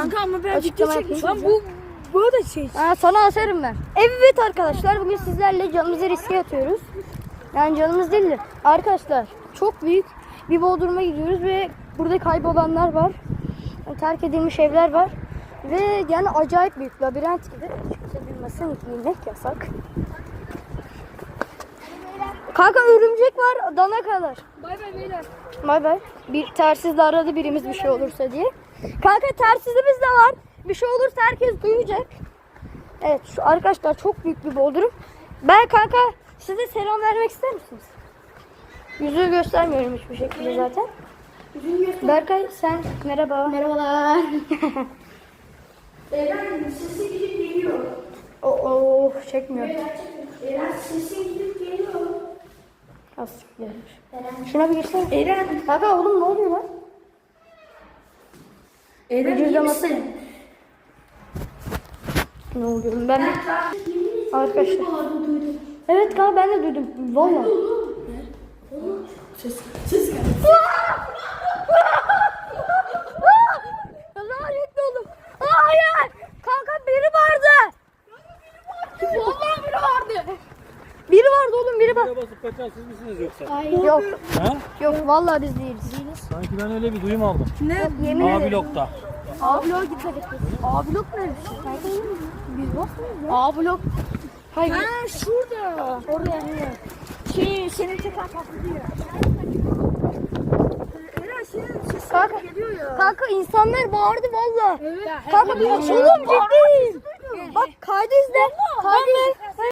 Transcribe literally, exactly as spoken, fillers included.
Kanka ama ben açıklama video yapayım. çekmişim. Bu bu da şey. Ha, sana asarım ben. Evet arkadaşlar, bugün sizlerle canımızı riske atıyoruz. Yani canımız değil de arkadaşlar, çok büyük bir bodruma gidiyoruz ve burada kaybolanlar var. Yani terk edilmiş evler var. Ve yani acayip büyük labirent gibi. Kimse bilmesin, giymek yasak. Kanka örümcek var, dana kadar. Bay bay beyler. Bay bay. Bir tersizle aradı birimiz bir şey olursa diye. Kanka tersizimiz de var. Bir şey olursa herkes duyacak. Evet şu arkadaşlar çok büyük bir bodrum. Ben kanka size selam vermek ister misiniz? Yüzü göstermiyorum hiçbir şekilde zaten. Berkay sen merhaba. Merhabalar. Eren sesi gidip geliyor. Oo oh, çekmiyor. Eren sesi gidip geliyor. Az gelmiş. Şuna bir girsene. Eren. Kanka oğlum ne oluyor lan? Eren iyi Vücudaması. misin? Ne oluyor? Ben bir... Arkadaşlar. Evet kanka ben de duydum. Valla. Ses. Ses geldi. Lanetli oldum. Hayır. Kanka biri vardı. Vallahi biri vardı. Biri vardı oğlum biri var. Buraya basıp kaçan siz misiniz yoksa? Hayır. Yok. Ha? Yok vallahi biz değiliz. Değiliz. Sanki ben öyle bir duyum aldım. Ne? Yemin A ederim. blokta. A blok gitmek istiyoruz. A blok ne? Biz basmıyoruz ya. A blok. Hayır. Ha şurada. Orada yani. Şey senin teker patlıyor. Eren senin sesin Kanka, geliyor ya. kanka insanlar bağırdı valla. Evet. Kanka bir oğlum ciddiyim. Bak kaydı izle. Kaydı izle.